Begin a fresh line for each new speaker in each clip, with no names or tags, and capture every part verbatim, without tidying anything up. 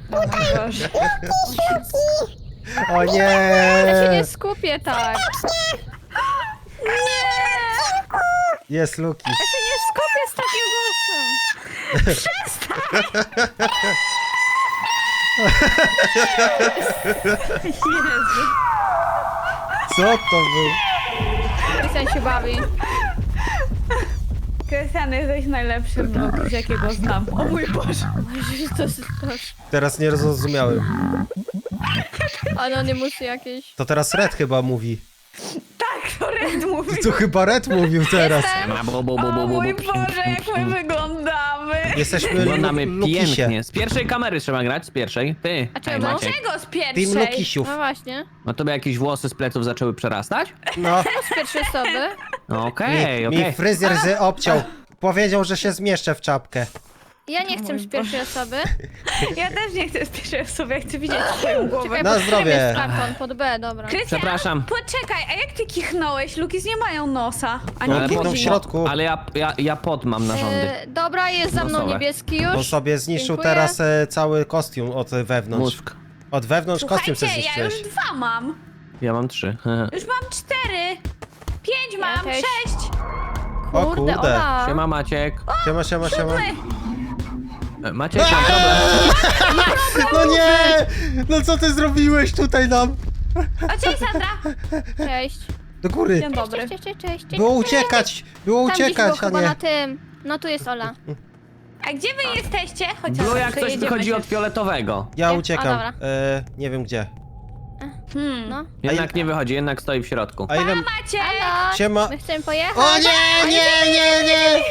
O mój Boże.
O
Ja się nie
nie!
skupię tak.
Jest Luki.
Ja się nie skupię z takim głosem. Jezu.
Co to był?
Krystian się bawi. Krystian, jesteś najlepszym vlog, z jakiego znam. O mój Boże. To jest też.
Teraz nie zrozumiałem.
Anonymusy jakieś.
To teraz Red chyba mówi.
Tak, to Red mówi.
To chyba Red mówił teraz.
Ma bo, bo, bo,
O
bo, bo,
mój
bo.
Boże, jak my wyglądamy.
Jesteśmy
Wyglądamy
Lu- Lukisie.
pięknie. Z pierwszej kamery trzeba grać, z pierwszej. Ty,
A
ej,
czemu?
Maciek.
Czego z
Team
pierwszej?
Lukisiów.
No właśnie.
No to by jakieś włosy z pleców zaczęły przerastać?
No,
Z pierwszej osoby.
No
mi,
okej,
mi
okej.
fryzjer z obciął. Powiedział, że się zmieszczę w czapkę.
Ja nie chcę z pierwszej osoby.
Ja też nie chcę z pierwszej osoby, ja chcę widzieć twoją głowę.
Czekaj,
Na
pod którym
zdrowie.
jest karton? Pod B, dobra.
Krystian,
Przepraszam.
poczekaj, a jak ty kichnąłeś? Lukis nie mają nosa, ani
Ale
buzi.
pod- w środku.
Ale ja, ja, ja pod mam narządy.
E, dobra, jest za mną
Nosowe.
niebieski już.
On sobie zniszczył
Dziękuję.
teraz e, cały kostium od wewnątrz.
Mózg.
Od wewnątrz kostium sobie
Słuchajcie, ja
zniszczyłeś.
już dwa mam.
Ja mam trzy.
Już mam cztery. Pięć
Ja
mam,
też.
sześć.
O
Kurde,
kurde.
Ola.
Siema Maciek.
Siema, siema, siema.
Siódmy.
E, Maciek, mam problem.
No nie! No co ty zrobiłeś tutaj nam?
O, cześć Sandra.
Cześć.
Do góry.
Dzień dobry.
Cześć, cześć, cześć, cześć. cześć.
Było uciekać! Było
Tam gdzieś
uciekać,
było
a
chyba na
nie.
tym. No tu jest Ola.
A gdzie wy jesteście? Chociaż
Było jak coś
przejedziemy
wychodzi
się.
od fioletowego.
Ja
Nie? A,
uciekam.
dobra.
E, nie wiem gdzie.
Hmm.
No.
Jednak nie wychodzi, jednak stoi w środku.
A ile...
Macie.
Halo.
Siema.
My chcemy pojechać.
O nie, nie, nie, nie!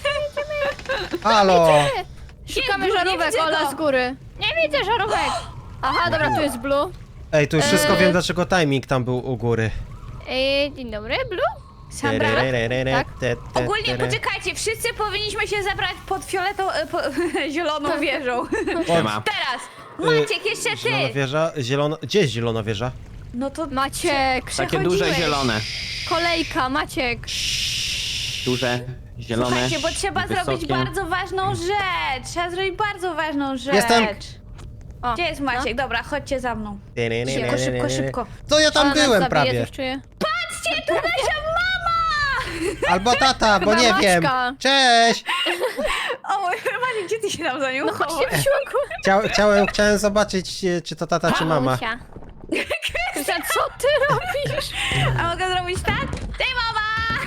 Halo!
Szukamy
Jest,
żarówek,
nie widzę
Ola,
go.
z góry. Nie widzę żarówek. Aha, dobra, tu jest Blue.
Ej, tu już wszystko
Eee.
wiem, dlaczego timing tam był u góry.
Ej, dzień dobry, Blue?
Sandra.
Tak.
Te, te,
Ogólnie
te,
poczekajcie, wszyscy powinniśmy się zabrać pod fioletą, e, po, zieloną wieżą.
Siema.
Teraz. Maciek, jeszcze
Zielona
ty.
wieża, zielona... Gdzie jest zielona wieża?
No to
Maciek.
Takie duże
przechodziłeś.
zielone.
Kolejka, Maciek.
Duże, zielone,
Słuchajcie, bo trzeba
wysokie.
zrobić bardzo ważną rzecz. Trzeba zrobić bardzo ważną rzecz.
Jestem.
O,
Gdzie jest Maciek? Dobra, chodźcie za mną.
Szybko,
Szybko, szybko, szybko.
To ja tam
Ona nas
byłem
zabije,
prawie.
coś czuję.
Patrzcie, tu nasza mama!
Albo tata, bo
Chyba
nie wiem.
Maćka.
Cześć!
O, Maciek, gdzie ty się tam za nią
No
chowasz?
chodźcie w siłku.
Chciał, chciałem, chciałem zobaczyć, e, czy to tata, czy mama.
Mamusia. Krystian, co ty robisz?
A mogę zrobić tak? Ty, mama!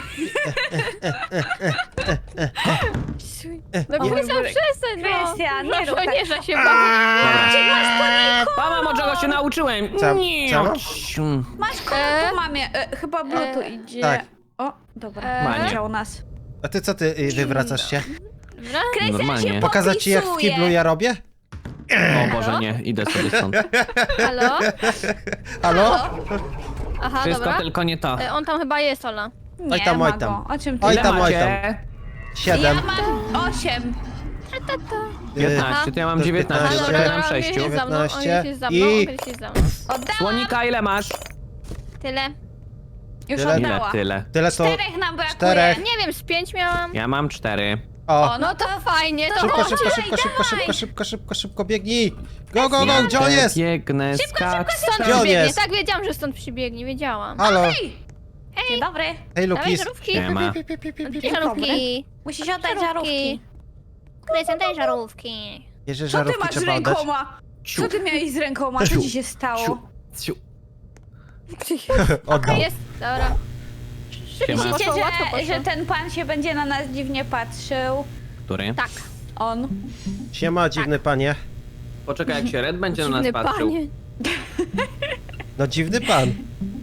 No
O mój
Krystian,
Boże.
przestań, no.
Krystian, nie rób tak.
Żołnierza się bawi.
Dobra. Mama, czego się nauczyłem?
Co-
Nie.
co?
Masz kogo
E?
po mamie? E, chyba Blue tu
E,
idzie.
tak.
O, dobra,
E?
Manie.
widział nas.
A ty co ty y, wywracasz się?
Dobra.
Krystian
Normalnie.
się
Pokazać ci jak w
popisuje.
kiblu ja robię?
O Boże, nie, idę sobie stąd.
Halo?
Halo?
Aha,
Wszystko
dobra.
tylko nie to.
E, On tam chyba jest, Ola.
Nie
Oj tam,
ma
oj
go.
tam.
O czym ty?
Oj
Ile
tam, oj tam.
macie?
Siedem.
Ja mam osiem.
y,
piętnaście, to ja mam
to
dziewiętnaście,
piętnaście.
to ja mam
on
sześciu.
jest za mną, on
dziewiętnaście
jest za mną,
i-
on jest za mną.
Oddałam.
Słonika ile masz?
Tyle.
Już
Tyle?
Ile
oddała.
tyle?
Tyle to...
Czterech nam brakuje.
Czterech.
Nie wiem, z pięć miałam.
Ja mam cztery.
O!
No to fajnie, to
Szybko,
chodź.
szybko,
dawaj,
szybko, szybko,
dawaj.
szybko, szybko, szybko, szybko, biegnij! Go, go, go, gdzie on jest?
Biegnę, skacz.
Stąd
Gdzie on
przybiegnie,
jest?
tak wiedziałam, że stąd przybiegnie, wiedziałam.
Halo!
Dzień dobry.
Hej,
Dawaj
Lukis!
żarówki.
Nie ma.
Żarówki.
Musisz oddać żarówki.
Krystian, daj żarówki.
Bierzesz
Co ty
żarówki,
masz z
trzeba oddać.
rękoma? Co ty miałeś z rękoma? Co ci się stało?
Ciu.
Oddał.
Jest, dobra.
Siema.
Myślicie,
Poszło, łatwo
że,
poszło.
że ten pan się będzie na nas dziwnie patrzył?
Który?
Tak.
On.
Siema, dziwny panie.
Poczekaj, jak się Red będzie na nas
Dziwny
patrzył.
panie.
No dziwny pan.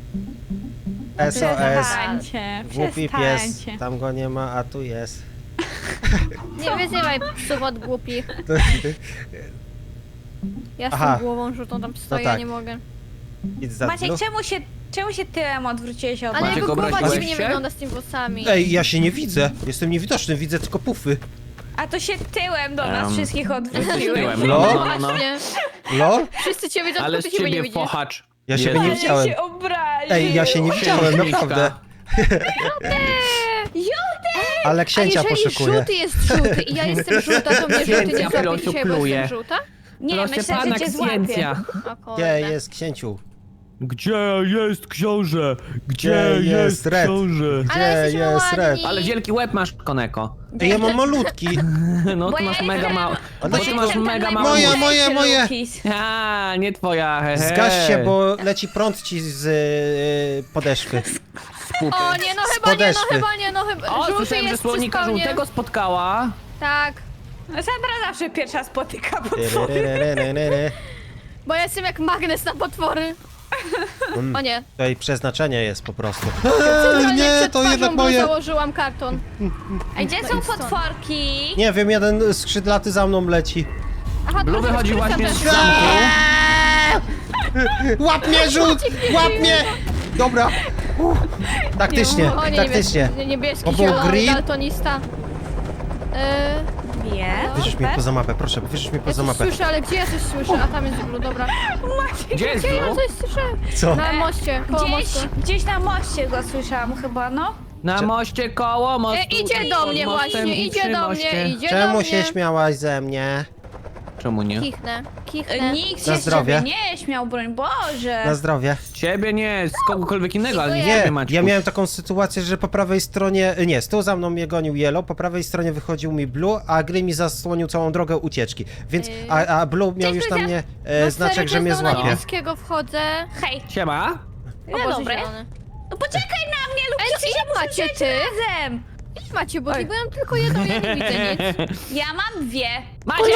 S O S.
Przestańcie,
Głupi pies.
przestańcie.
Tam go nie ma, a tu jest.
Nie wyzywaj psów od głupich.
To-
Ja z
Aha.
tą głową żółtą tam stoję,
tak.
nie mogę.
Idź za
Maciek,
dnu.
czemu się, czemu się tyłem odwróciłeś od
Ale
nas?
Maciek,
jego głowa
obraziłeś
dziwnie
się?
wygląda z tymi włosami.
Ej, ja się nie widzę. Jestem niewidoczny, widzę tylko pufy.
A to się tyłem do nas
Em,
wszystkich
Jesteś
odwróciłeś.
tyłem.
No.
No, no, no, no.
Właśnie.
Lol?
Wszyscy cię widzą,
Ale
tylko
z
ty siebie nie
ciebie
widzisz.
fochacz.
Ja siebie nie
Jeden.
Ale
widziałem.
się obraził.
Ej, ja się nie widziałem,
Księżniczka.
naprawdę.
Józef!
Ale
A
księcia
jeżeli
poszukuję.
żółty jest żółty i ja jestem żółta, to mnie żółty
Księcia
nie zrobi
Filociu
dzisiaj, bo
pluje.
jestem żółta?
Nie,
Proszę
myślę,
pana,
że cię złapie.
księcia.
O kurde.
Gdzie jest księciu?
Gdzie jest książę? Gdzie
Gdzie jest
jest
Red?
książę?
Gdzie
Ale jesteśmy
jest
ładni.
Red?
Ale wielki łeb masz, Koneko.
Ej, ja mam malutki.
No
Bo
ty
ja
masz
jestem-
mega mało.
A
Bo
to
ty
się-
masz
Jestem
mega
ten
mało.
Moje,
najmniejszy,
moje, moje.
Lukis.
A, nie twoja, hehe.
Zgaś się, bo leci prąd ci z y, podeszwy.
Pupy.
O nie, no
Z
chyba nie, no
podeszwy.
chyba nie, no chyba.
O,
Żółty
słyszałem, że
jest
słonika
przy spawnie.
żółtego spotkała.
Tak,
Sandra zawsze pierwsza spotyka potwory.
Tyryryryryryry.
bo ja jestem jak magnes na potwory.
Mm,
O nie.
Tutaj przeznaczenie jest po prostu.
Centralnie
Nie,
przed
to
twarzą
jednak
Blue
moje.
założyłam karton.
A gdzie
No
są
idź stąd.
potworki?
Nie wiem, jeden skrzydlaty za mną leci.
Aha,
Blue
to
wychodzi
Krystian
właśnie
też.
z zamku.
Łap mnie, rzut! Łap mnie! Dobra. Uff. Taktycznie,
O nie,
taktycznie.
niebieski, niebieski
Bo był
zielony,
green.
daltonista. Yy,
Nie.
Wyrzuć mnie poza mapę, proszę, wyrzuć mnie
ja
poza
coś
mapę.
słyszę, ale gdzie ja coś słyszę? A tam jest Blue, dobra.
Gdzie jest
Gdzie ja
Blue?
coś słyszę?
Co?
Na moście, koło
Gdzieś,
mostu.
gdzieś na moście go słyszałam chyba, no.
Na
Cze-
moście koło mostu.
E, idzie do mnie
pod mostem
właśnie,
i
idzie
przy
do
moście.
mnie, idzie do
Czemu
mnie.
się śmiałaś ze mnie?
Czemu nie?
Kichnę, kichnę.
Nikt
Na
się z
zdrowie.
ciebie nie śmiał, broń Boże.
Na zdrowie.
Ciebie nie, z kogokolwiek innego, ale nie
Dziękuję.
ciebie,
Nie,
Maćku.
ja miałem taką sytuację, że po prawej stronie, nie, z tyłu za mną mnie gonił Yellow, po prawej stronie wychodził mi Blue, a Gry mi zasłonił całą drogę ucieczki. Więc,
Yy.
a, a Blue miał
Cześć,
już na
Luzia.
mnie
No
e, znaczek, że mnie
Na
złapie.
niebieskiego wchodzę.
Hej,
Siema.
O
no
Boże,
dobre.
zielony.
No poczekaj na mnie, lub
Ej,
przecież
ile
ja
macie
muszę
ty?
razem.
Ile macie, bo bo ja mam tylko jedną, ja nie widzę nic.
Ja mam dwie.
Maciek!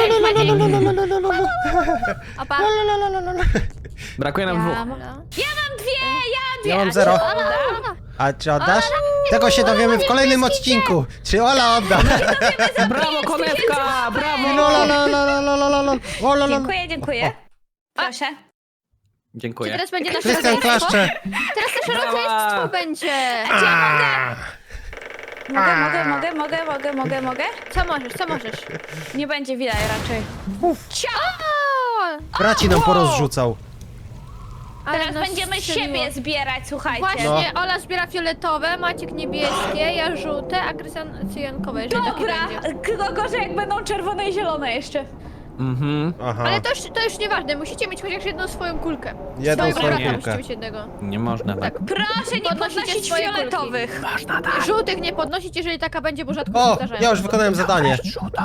A pa.
Brakuje nam
Ja
dwóch.
mam...
Ja mam dwie, ja dwie.
Ja mam
A
zero.
czy Ola?
A czy oddasz? Tego się dowiemy w kolejnym odcinku. Czy Ola odda?
Brawo, konewka! Brawo!
Lo, lo, lo, lo, lo, lo, lo, lo. O, lo, lo.
Dziękuję, dziękuję. Proszę.
Czy
Dziękuję.
teraz będzie nasze
Krystian
rodzeństwo?
klaszcze.
Teraz nasze
Brawa.
rodzeństwo będzie.
Mogę, mogę, mogę, mogę, mogę, mogę, mogę?
Co możesz, co możesz?
Nie będzie widać raczej.
O,
Braci nam porozrzucał.
ale
Teraz
nas
będziemy
strzeliło.
siebie zbierać, słuchajcie.
Właśnie, Ola zbiera fioletowe, Maciek niebieskie, ja żółte, a Krystian cyjankowe, jeżeli taki
Dobra,
będzie.
tylko gorzej jak będą czerwone i zielone jeszcze.
Mhm.
Aha.
Ale to już, to już nieważne, musicie mieć chociaż jedną swoją kulkę.
Jedną
Swojego
swoją
brata
kulkę.
musicie mieć jednego.
Nie można tak.
Proszę nie
Podnosicie
podnosić
swoje kulki.
fioletowych.
Można tak.
Żółtych nie podnosić, jeżeli taka będzie, bo rzadko się
O,
zdarzają.
ja już wykonałem zadanie.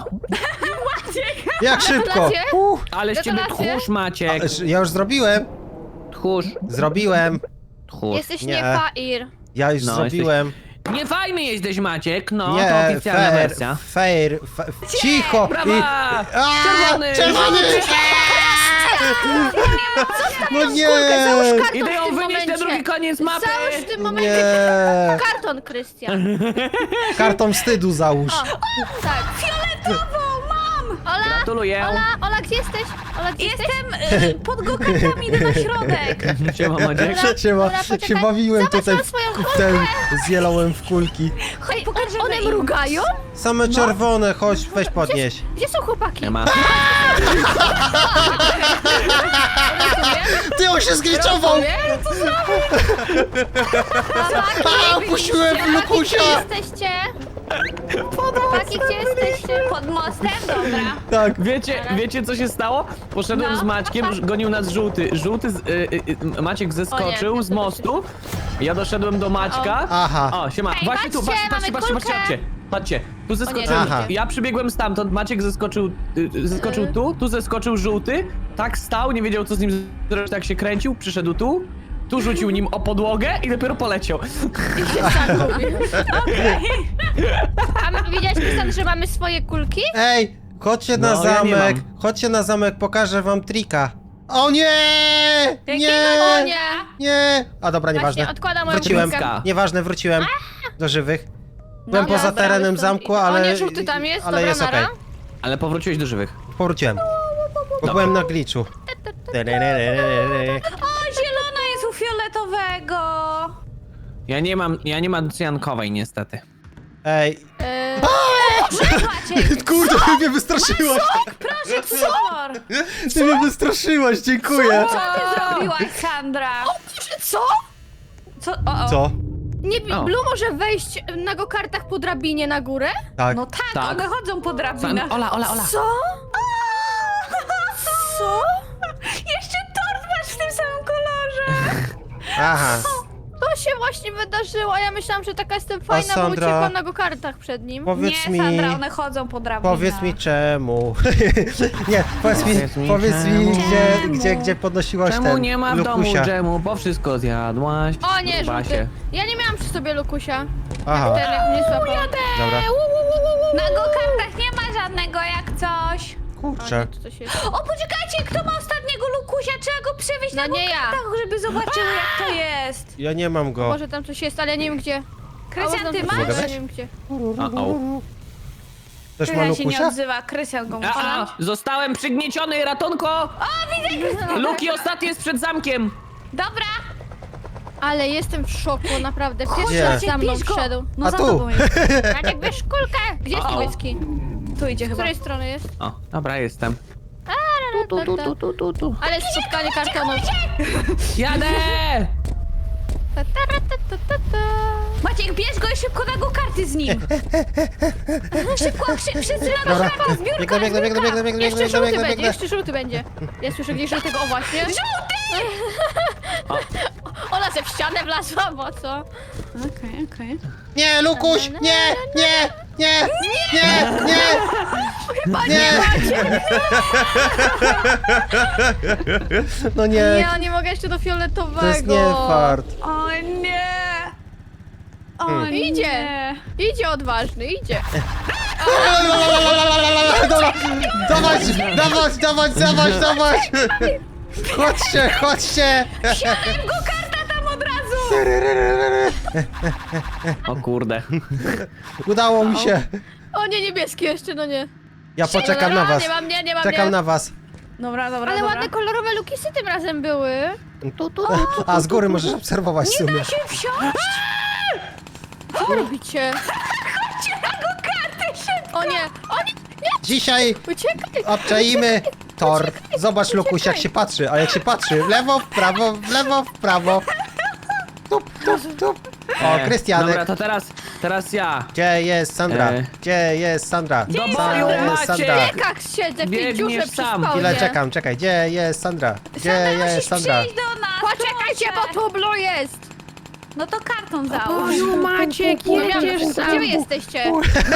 Jak szybko.
Gratulacje.
Uh,
Ale z ciebie
Gratulacje.
tchórz, Maciek.
ja już zrobiłem.
Tchórz.
Zrobiłem.
Tchórz.
Jesteś
Nie.
nie fair.
Ja już
No,
zrobiłem.
Nie fajny jesteś, Maciek. No, to
Nie,
oficjalna
fair,
wersja.
fair, fa- cicho.
Brawa!
A,
Czerwony!
Czerwony! No nie!
Załóż
Idę ją
w tym
wynieść na
momencie.
drugi koniec mapy!
Załóż w tym momencie
Nie!
karton, Krystian.
Karton wstydu załóż.
O, tak.
Fioletową mam!
Ola,
Gratuluję.
Ola, Ola, gdzie jesteś? Ola, gdzie jesteś?
Jestem y, pod gokardami, idę na środek.
Siema, Maciek.
Się, ma,
Dobra, poczekaj.
się bawiłem
Zobacz,
tutaj
mam
w,
swoją
w ten z jelałem w kulki.
Ej,
pokażemy
one
im.
mrugają?
Same czerwone, chodź, weź podnieś.
Gdzie są chłopaki?
Nie ma.
Ty, on się zgliczował! A, opuściłem w Lukusia!
Gdzie jesteście? Chłopaki, gdzie jesteście?
Pod mostem? Dobra.
Tak.
Wiecie, wiecie co się stało? Poszedłem
No.
z Maćkiem, gonił nas żółty. Żółty, z, y, y, y, Maciek zeskoczył
O nie.
z mostu. Ja doszedłem do Maćka.
Aha.
O, siema.
Ej,
Właśnie tu,
patrzcie,
patrzcie, patrzcie,
mamy
patrzcie, patrzcie,
kulkę.
patrzcie. Patrzcie, tu zeskoczyłem.
Aha.
Ja przybiegłem stamtąd, Maciek zeskoczył, y, y, zeskoczył
Y.
tu, tu zeskoczył żółty, tak stał, nie wiedział co z nim zrobić, tak się kręcił, przyszedł tu, tu rzucił nim o podłogę i dopiero poleciał.
A my, widziałeś, Krystian, że mamy swoje kulki?
Ej, chodźcie na
No, ja nie
zamek.
mam.
Chodźcie na zamek, pokażę wam trika. O nie! Nie!
O nie!
Nie! A dobra, nieważne.
Właśnie, odkładam moją
Wróciłem.
kulkę.
Nieważne, wróciłem do żywych. Byłem
Dobra,
poza
dobra,
terenem
już to-
zamku,
O
ale...
nie, żółty tam jest,
ale
dobra,
jest
nara.
okej.
Ale powróciłeś do żywych.
Powróciłem. Bo byłem na glitchu.
O, zielona jest u fioletowego.
Ja nie mam, ja nie mam cyjankowej niestety.
Ej.
Eee,
Maciek,
Kurde, ty mnie wystraszyłaś!
proszę, co?
Ty mnie wystraszyłaś, dziękuję!
Co ty zrobiłaś, Sandra?
co?
Co? O, o.
Co?
Nie,
O.
Blue może wejść na go-kartach po drabinie na górę?
Tak.
No tak,
Tak.
one chodzą po
San,
drabinach.
Ola, Ola, Ola.
Co?
Aha.
To się właśnie wydarzyło, a ja myślałam, że taka jestem fajna, bo
Sandra,
uciekłam na go-kartach przed nim.
Powiedz
Nie,
mi...
Sandra, one chodzą po drabinach.
Powiedz mi czemu. Nie, powiedz mi,
Powiedz mi
powiedz mi
czemu.
gdzie, gdzie, gdzie podnosiłaś
Czemu
ten
nie ma w domu
Lukusia.
dżemu, bo wszystko zjadłaś.
O nie,
Kurwa
żółty.
się.
Ja nie miałam przy sobie Lukusia.
Aha,
Ten jak mnie złapał.
dobra.
Na go-kartach nie ma żadnego jak coś.
O
Kurczę.
nie, to coś jest.
O, poczekajcie, kto ma ostatniego Lukusia? Trzeba go przewieźć
No
na
nie ja.
go-kartach, żeby zobaczyły jak to jest.
Ja nie mam go.
Może tam coś jest, ale ja nie wiem gdzie.
Krystian,
A,
ty
może
masz?
tam coś
Mogę
jest,
wejść?
Ja nie wiem gdzie.
A, o.
Też ma
Krystian się nie
Lukusia?
odzywa, Krystian go musi
A, a,
mieć.
zostałem przygnieciony, ratunko! O, widzę! Luki ostatni jest przed zamkiem.
Dobra,
Ale jestem w szoku, naprawdę.
Gdzie?
Pierwszy raz za mną
bierz go.
wszedł.
No
A
za
tu.
tobą jest.
Maciek, bierz kulkę! Gdzie jest
O.
niebieski?
Tu idzie
Z
chyba.
której strony jest?
O, dobra, jestem.
Tu, tu, tu, tu, tu, tu. Ale spotkanie kartonów.
Jadę!
Ta, ta, ra, ta, ta, ta, ta.
Maciek, bierz go i szybko na go-karty z nim. Szybko, szy, wszyscy na
Dobra.
go-karty, zbiórka,
Biegnę, biegnę, biegnę, biegnę, biegnę,
Jeszcze
biegnę,
żółty
biegnę,
będzie,
biegnę.
jeszcze żółty będzie. Ja słyszę gdzieś żółtego, o właśnie.
Żółty!
Ona se w ścianę wlazła, bo co?
Okej, okej.
Nie, Lukuś! Nie, nie, nie, nie, nie!
Chyba
Nie.
nie macie.
No nie,
Ja nie mogę jeszcze do fioletowego.
to jest nie fart.
O nie! O
Hmm.
nie!
Idzie. Idzie odważny, idzie.
Dobra, dawać, dawać, dawać, dawać, dawać! Chodźcie, chodźcie!
Siadam go-karta tam od razu!
O kurde.
Udało mi się.
O nie, niebieski jeszcze, no nie.
Ja poczekam na was.
Nie mam mnie, nie mam
Czekam
mnie.
na was.
Dobra, dobra,
Ale
dobra.
ładne kolorowe lukisy tym razem były. Tu, tu, tu, tu.
A z góry możesz obserwować w sumie.
się wsiąść!
Co wy robicie?
Chodźcie na go-karty szybko!
O nie, o nie,
Dzisiaj
uciekaj.
obczaimy tor. Zobacz, Lukuś, jak się patrzy. A jak się patrzy, w lewo, w prawo, w lewo, w prawo. Tup, tup, tup. O,
E,
Krystianek.
Dobra, to teraz, teraz ja.
Gdzie jest Sandra?
E.
Gdzie jest Sandra?
Do
Gdzie
boju,
jest
Maciek!
Sandra?
W piekach siedzę w tej
Biegniesz
dziurze przy
sam.
spawnie.
Chwilę czekam, czekaj. Gdzie jest Sandra? Gdzie
Sandra,
jest
musisz
Sandra?
przyjść do nas!
Poczekajcie, bo
proszę.
tu blue jest.
No to karton załóż.
Maciek, jedziesz sam. Gdzie wy jesteście?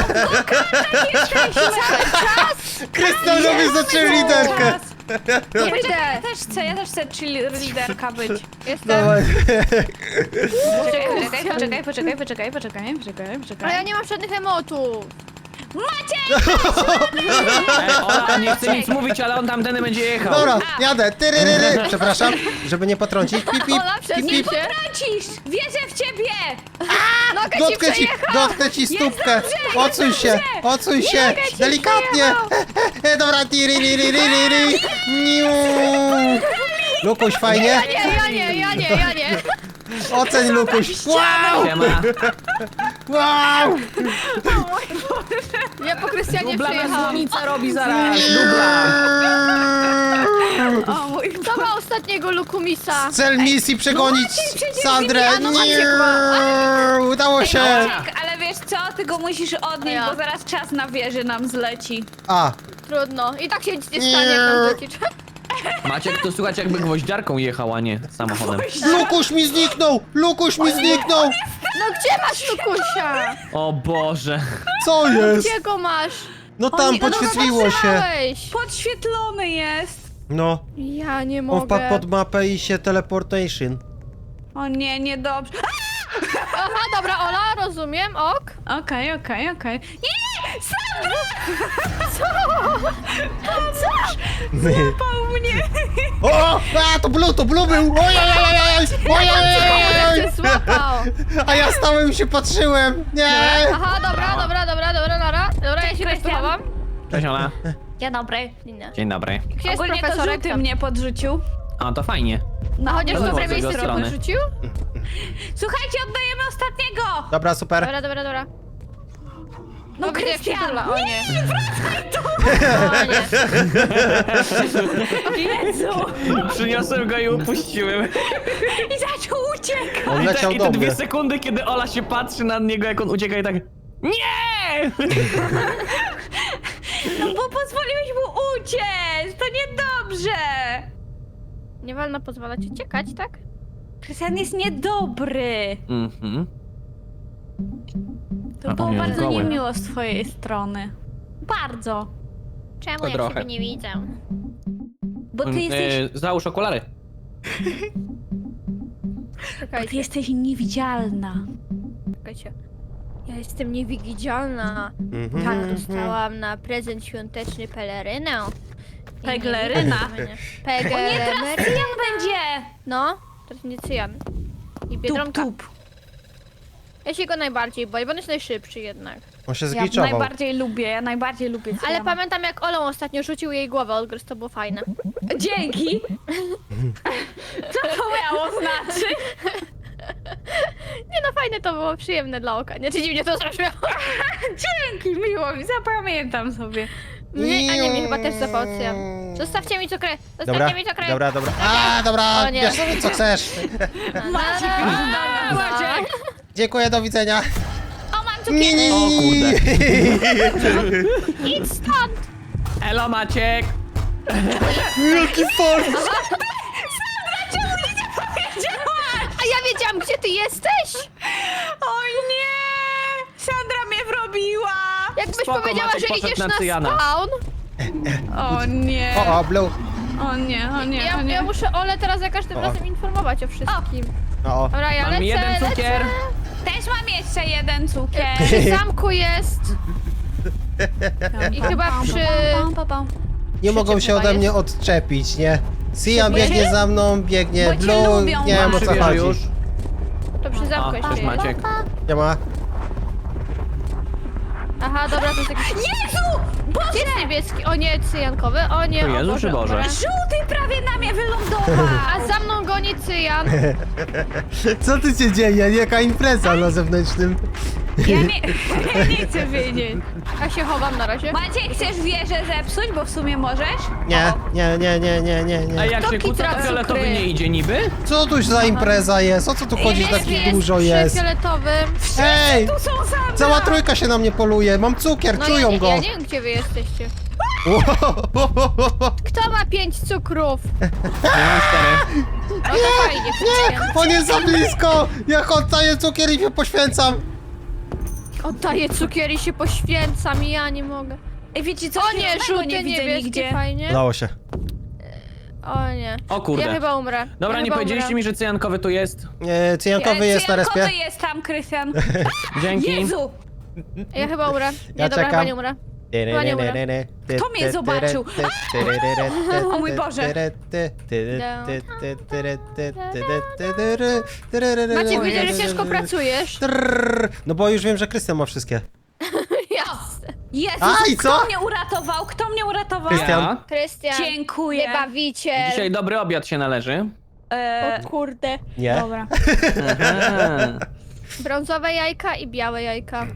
Krystian robi za cheerleaderkę!
Nie
Poczekaj,
idę.
ja też chcę, ja też chcę cheerleaderka być.
Jestem.
Dawaj.
Poczekaj, poczekaj, poczekaj, poczekaj, poczekaj, poczekaj,
Ale ja
poczekaj.
nie mam żadnych emotów.
Maciek!
Ej, Ola nie chce nic mówić, ale on tamtędy będzie jechał.
Dobra, jadę. Tyryryry. Przepraszam, żeby nie potrącić. Pip, pip,
Ola,
pip,
przesuń
pip.
się.
Tracisz! Wierzę w ciebie!
Nogę ci
Dotknę ci,
przejechał.
dotknę ci stópkę.
dobrze,
Odsuń
jest
się,
dobrze.
odsuń się.
nogę ci
Delikatnie. Dobra, tiryryryryryry. Niu. Lukuś, fajnie?
Ja nie, ja nie, ja nie, ja nie.
Oceń, Lukuś. Wow,
Siema.
wow.
Ja po Krystianie
Dubla na
przyjechałam.
słonica robi zaraz. Dubla.
O mój
Kto ma ostatniego lukumisa?
Cel misji przegonić
przecież
Sandrę.
A no Maciek
Nie.
ma.
Udało się.
Maciek, ale wiesz co? Ty go musisz odnieść,
Ja.
bo zaraz czas na wieży nam zleci.
A,
Trudno. I tak się nic nie stanie, jak nam leci.
Maciek, to słuchać jakby gwoździarką jechał, a nie samochodem.
Lukuś mi zniknął. Lukuś mi zniknął.
No gdzie masz lukusia?
O Boże.
Co jest?
Gdzie go masz?
No tam
nie, no
podświetliło się.
Weź.
Podświetlony jest.
No,
Ja nie
on
mogę.
wpadł pod mapę i się teleportation.
O nie, niedobrze.
Aha, dobra, Ola, rozumiem, ok.
Okej, okej, okej. Nie! Sandra! Złapał mnie!
O! A, to Blue, to Blue był! Ojej! Ojej!
Cię złapał.
A ja stałem i się patrzyłem! Nie!
Aha, dobra, dobra, dobra, dobra, dobra. Dobra, ja się też
Krystian.
schowam.
Cześć Ola.
Dzień dobry.
Dzień dobry.
Gdzie jest
Ogólnie to
profesorek?
żółty
Tam.
mnie podrzucił.
A, to fajnie.
No chociaż
No,
z
z
prawej
jego
strony
strony.
rzucił?
Słuchajcie, oddajemy ostatniego!
Dobra, super.
Dobra, dobra, dobra.
No
O, widzę, jak się
Krystian!
tula. O nie.
Nie, wracaj tu!
O nie.
Jezu!
Przyniosłem go i upuściłem.
I zaczął uciekać!
On
I te,
leciał
I
do
te
mnie.
dwie sekundy, kiedy Ola się patrzy na niego, jak on ucieka i tak... Nie!
No bo pozwoliłeś mu uciec! To niedobrze!
Nie wolno pozwalać uciekać, tak?
Krystian jest niedobry.
Mhm.
To
A,
było
nie,
bardzo
goły.
niemiło z twojej strony. Bardzo.
Czemu
To
ja
trochę.
ciebie nie widzę?
Bo ty
Mm,
jesteś...
e, Załóż okulary.
Bo ty
Czekajcie,
jesteś niewidzialna.
czekajcie. Ja jestem niewidzialna.
Mhm.
Tak, dostałam na prezent świąteczny pelerynę. I nie
Pegleryna.
widać mnie. Pegleryna.
Cyjan będzie!
No, to jest nie cyjan. I
Tup,
biedronka.
tup.
Ja się go najbardziej boję, bo on jest najszybszy jednak.
On się
Ja
zgliczował.
najbardziej lubię, ja najbardziej lubię
Ale
cyjana.
pamiętam jak Olą ostatnio rzucił jej głowę odgryz, to było fajne.
Dzięki! Co to miało znaczyć?
Nie no, fajne to było, przyjemne dla oka. Nie, czy dziwnie to zabrzmiało.
Dzięki, miło mi, zapamiętam sobie.
Mnie, a nie, mnie chyba też zapał cyjan. Zostawcie mi cukrę, zostawcie
Dobra,
mi cukrę.
dobra, dobra. A, dobra,
O nie.
bierz sobie co chcesz.
Maciek już na nas. Maciek!
Dziękuję, do widzenia.
O, mam
Nie,
cukierki!
nie,
O kurde.
Idź stąd!
Elo Maciek!
Jaki fart!
A ja wiedziałam, gdzie ty jesteś!
O nie! Sandra mnie wrobiła!
Jakbyś
Spoko,
powiedziała,
Maciek
że
poszedł
idziesz
na
na
cyjana.
spawn.
O nie!
O, o, Blue.
O nie, o nie,
Ja,
o nie.
ja muszę Ole teraz za każdym
O.
razem informować o wszystkim.
O, o.
Dobra, ja
Mam
lecę,
jeden cukier.
Też mam jeszcze jeden cukier.
lecę. Przy zamku jest. I chyba przy...
Pam, pam, pam.
Nie mogą się ode mnie odczepić, nie? Sian
Bo cię-
biegnie za mną, biegnie
bo cię
Blue,
lubią,
nie wiem o co
Przybierze
chodzi.
już.
To przy zamku
O,
jeszcze
cześć
jest.
Maciek.
Nie ma.
Aha, dobra, to jest jakiś... Jezu! Gdzie jest niebieski? O nie, cyjankowy. O nie,
To
o
Jezu
Boże,
czy
o
Boże?
Żółty prawie na mnie wylądował!
A za mną goni cyjan.
Co ty się dzieje? Jaka impreza na zewnętrznym?
Ja nie, ja nie chcę wiedzieć.
Ja się chowam na razie.
Maciek, chcesz wieżę zepsuć, bo w sumie możesz?
Nie, nie, nie, nie, nie, nie,
A
nie.
jak
To
się kłóca,
kitra
to fioletowy
cukry.
nie idzie niby?
Co tu za impreza jest? O co tu chodzi, że
Niebieski
takich dużo
przy
jest?
fioletowym.
Ej!
Tu są Sandra!
Cała trójka się na mnie poluje, mam cukier,
No ja
czują
nie,
go!
ja nie wiem, gdzie wy jesteście. Kto ma pięć cukrów?
Ja mam cztery.
No to fajnie,
Nie, on jest za blisko! Ja oddaję cukier i się poświęcam!
Oddaję cukier i się poświęcam i ja nie mogę.
Ej, wiecie co?
O nie,
Zielonego
żółte,
nie widzę
niebieskie,
nigdzie.
fajnie.
Udało się.
O nie.
O kurde.
Ja chyba umrę.
Dobra,
ja
nie
chyba
powiedzieliście
umrę.
mi, że cyjankowy tu jest.
E, cyjankowy jest na respie.
Cyjankowy jest tam, Krystian.
Dzięki.
Jezu!
Ja chyba umrę. Nie,
Ja
dobra,
czekam.
chyba nie umrę. Chyba nie umrę.
Kto mnie zobaczył? O mój Boże.
Maciek,
O
widzę, że
Jezu.
ciężko pracujesz.
Trrr. No bo już wiem, że Krystian ma wszystkie.
Jasne.
Jezus,
A, i
kto
co?
mnie uratował? Kto mnie uratował?
Krystian.
Ja.
Krystian,
Dziękuję.
wybawiciel.
Dzisiaj dobry obiad się należy.
E,
O kurde.
Nie?
dobra.
Aha.
Brązowe jajka i białe jajka.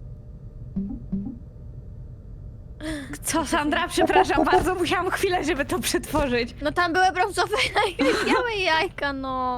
Co, Sandra? Przepraszam bardzo, musiałam chwilę, żeby to przetworzyć.
No tam były brązowe jajka i białe jajka, no.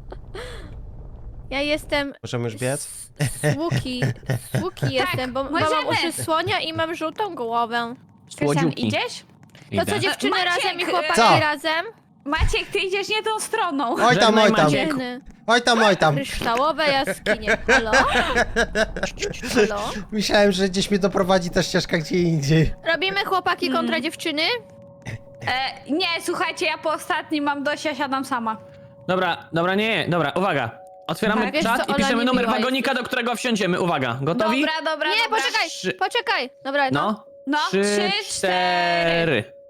Ja jestem
Możemy już biec?
z Łuki. Z Łuki jestem, bo, bo mam
możemy.
uszy słonia i mam żółtą głowę.
Krystian,
Słodziuki.
idziesz?
To co
Idę.
dziewczyny
Maciek,
razem i
e,
chłopaki
Co?
razem?
Maciek, ty idziesz nie tą stroną.
Oj tam,
Żegnaj,
oj tam.
Maciek.
Dziewczyny.
Oj tam, oj tam.
Kryształowe jaskinie. Halo? Halo?
Myślałem, że gdzieś mnie doprowadzi ta ścieżka gdzie indziej.
Robimy chłopaki kontra dziewczyny?
E, nie, słuchajcie, ja po ostatnim mam dość, ja siadam sama.
Dobra, dobra, nie, dobra, uwaga. Otwieramy
Tak, wiesz
czat
co,
i
Ola
piszemy
nie
numer
miła
wagonika, do którego wsiądziemy. Uwaga, gotowi?
Dobra, dobra,
Nie,
dobra.
poczekaj,
Trzy-
poczekaj. Dobra, no.
No.
No,
Trzy,
trzy, cztery.
cztery.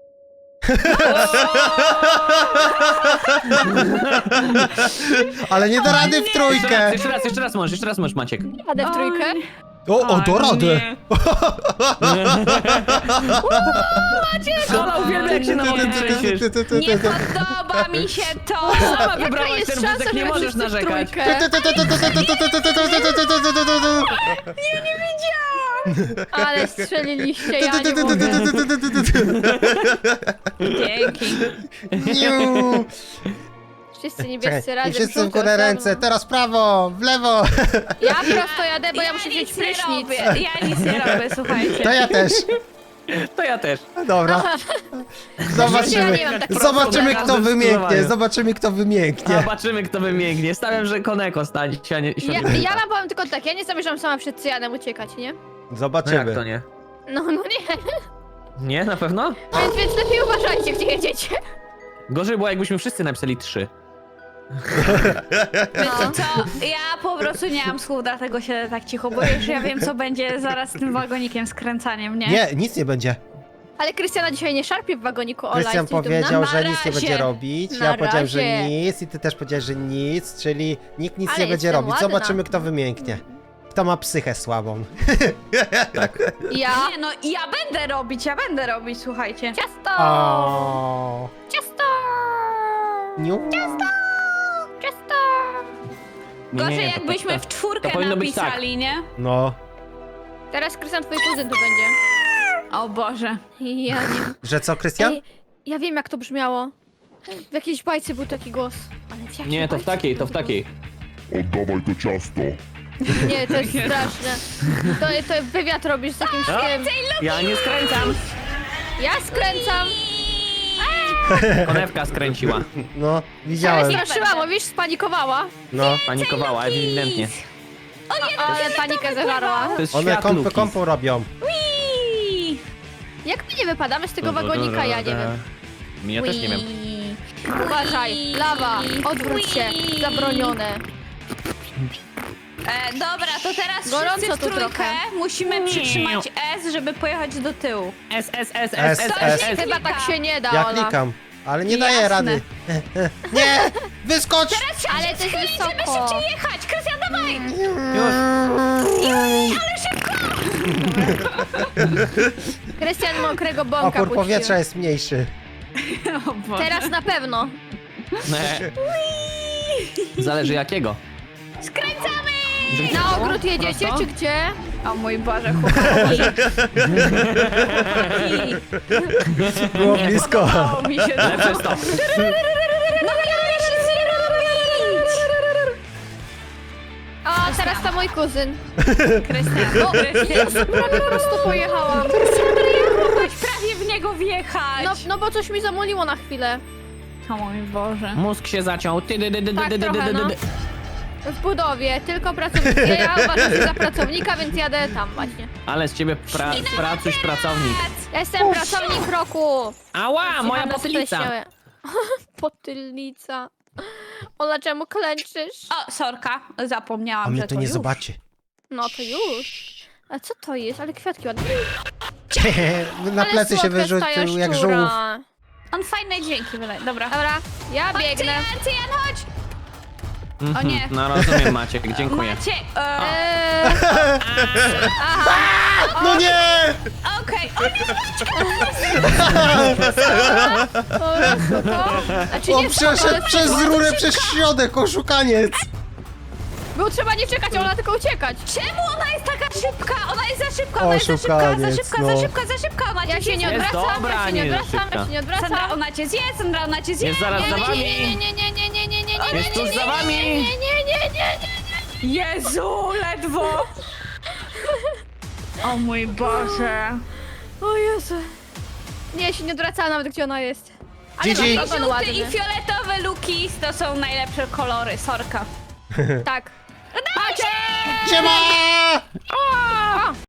Ale nie da rady w
Jeszcze
trójkę.
raz, jeszcze raz, jeszcze raz możesz, jeszcze raz możesz, Maciek.
Jadę w trójkę.
O, o, do rady.
Ola uwielbia, jak się na mnie trzęsiesz.
Nie podoba mi się to.
Sama wybrałaś
jest
ten
szansa,
wózek, nie
żeby
możesz
wszyscy w
narzekać.
trójkę? Ale strzeliliście, ja nie mogę.
Dzięki.
Niu.
Wszyscy
Czekaj,
niebiescy
i
razem.
wszyscy w
żółte
górę
osobno.
ręce, teraz prawo, w lewo.
Ja prosto jadę, bo ja, muszę wziąć
nic nie
prysznic.
robię. Ja nic nie robię, słuchajcie.
To ja też.
To ja też.
Dobra.
Ja
Zobaczymy.
nie mam takiego
Zobaczymy,
problemu.
kto wymięknie.
Zdecydowanie.
Zobaczymy, kto wymięknie.
Zobaczymy, kto wymięknie. Stawiam, że Koneko stanie. Sianie,
Ja, ja wam powiem tylko tak, ja nie zamierzam sama przed cyjanem uciekać, nie?
No jak to
Zobaczymy.
nie?
No, no nie.
Nie, na pewno?
Więc, więc lepiej uważajcie, gdzie jedziecie.
Gorzej było, jakbyśmy wszyscy napisali trzy.
Wiecie co, ja po prostu nie mam słów, dlatego się tak cicho boję, że ja wiem, co będzie zaraz z tym wagonikiem, skręcaniem, nie?
Nie, nic nie będzie.
Ale Krystiana dzisiaj nie szarpie w wagoniku, Ola.
Krystian
jesteś
powiedział,
dumna?
że
Na
nic nie
razie.
będzie robić.
Na
Ja powiedziałem, że
razie.
nic i ty też powiedziałeś, że nic, czyli nikt nic
Ale
nie będzie
jestem
robić.
ładna.
Zobaczymy, kto wymięknie. Kto ma psychę słabą.
Ja.
Nie no, ja będę robić, ja będę robić, słuchajcie.
Ciasto!
O.
Ciasto!
Niu.
Ciasto!
Nie,
Gorzej
nie, to-
jakbyśmy
to-
w czwórkę
to powinno być tak.
napisali, nie?
No,
Teraz Krystian, twój kuzyn tu będzie.
O Boże.
Ja nie...
że co, Krystian?
Ej, ja wiem, jak to brzmiało. W jakiejś bajce był taki głos. Ale w jakiej
Nie, to w
bajce
takiej, to w
był
takiej.
Oddawaj to ciasto.
głos? Nie, to jest straszne. To, to wywiad robisz z jakimś tym.
Ja nie skręcam.
Ja skręcam.
Konewka skręciła.
No,
Ale
widziałem.
straszyła, mówisz, spanikowała.
No,
Panikowała, ewidentnie.
Ale panikę zażarła.
To jest
one
świat
kąpy
Luki.
kąpą robią.
Jak my nie wypadamy z tego wagonika, ja nie wiem.
Ja też nie wiem.
Uważaj, lawa, odwróć się, zabronione.
E, dobra, to teraz
Gorąco
wszyscy w
tu
trójkę
trochę.
musimy przytrzymać S, żeby pojechać do tyłu.
S, S, S,
S,
S,
S.
S.
Chyba tak się nie da,
Ja
Ola.
klikam, ale nie daję
Jasne.
rady. Nie! Wyskocz!
Ale to jest
Żeby
wysoko.
szybciej jechać! Krystian, dawaj!
Już.
Krystian mokrego bąka
Opór
puścił.
powietrza jest mniejszy.
O Boże.
Teraz na pewno.
Nie. Zależy jakiego.
Skręcamy!
Na ogród jedziecie,
Prosto?
czy gdzie?
O mój Boże, chłopaki.
Było blisko.
O, mi się
Lepsze stop.
No miałeś nic nie robić!
A teraz to mój kuzyn.
Krystian,
O, ja prawie prosto pojechałam.
mogłeś prawie w niego wjechać!
No, no bo coś mi zamuliło na chwilę.
O mój Boże.
Mózg się zaciął. Ty, dy, dy, dy,
Tak,
dy, dy,
trochę,
dy, dy,
no.
dy.
W budowie, tylko pracownicy. Ja uważam się za pracownika, więc jadę tam właśnie.
Ale z ciebie pra pracuś pracownik.
Ja jestem pracownik roku.
Ała, moja
Jecham na
potylica.
specjałe. Potylnica. Ola, czemu klęczysz?
O, sorka, zapomniałam,
A mnie
że
to
to
nie
już.
zobaczy.
No to już. A co to jest? Ale kwiatki ładne.
Na
Ale
plecy się
słodka jest ta
wyrzucił jak
jaszczura.
żółw.
On fajne dźwięki wydaje. Dobra.
Dobra, ja biegnę.
Cyjan, Cyjan, chodź! O nie.
No rozumiem, Maciek, dziękuję.
Macie, e,
Eee, aha,
No nie!
okej, o nie,
po prostu to. Znaczy
On
nie
przeszedł
ale
przez rurę, przez środek, oszukaniec!
było trzeba nie czekać, Ola, tylko uciekać.
czemu ona jest taka szybka? Ona jest za szybka, ona jest za szybka, za
Oszukaniec,
szybka,
no.
za szybka, za szybka, ona
Ja
cię
się nie
zje.
Jest
odwracam,
dobra,
ja się nie
nie jest
odwracam, ja
szybka.
się nie
Sandra,
odwracam.
ona cię zje, Sandra, ona cię zje.
Jest zaraz za
Nie,
wami.
nie, nie, nie, nie, nie, nie, nie, nie,
Jest tuż za
nie,
wami.
nie, nie, nie, nie, nie.
Jezu, ledwo! O mój Boże.
O Jezu. Nie, ja się nie odwracałam nawet, gdzie ona jest. Ale
Gigi.
ma ogon
Żółty
ładny.
i fioletowy Luki to są najlepsze kolory, sorka.
Tak.
Siema!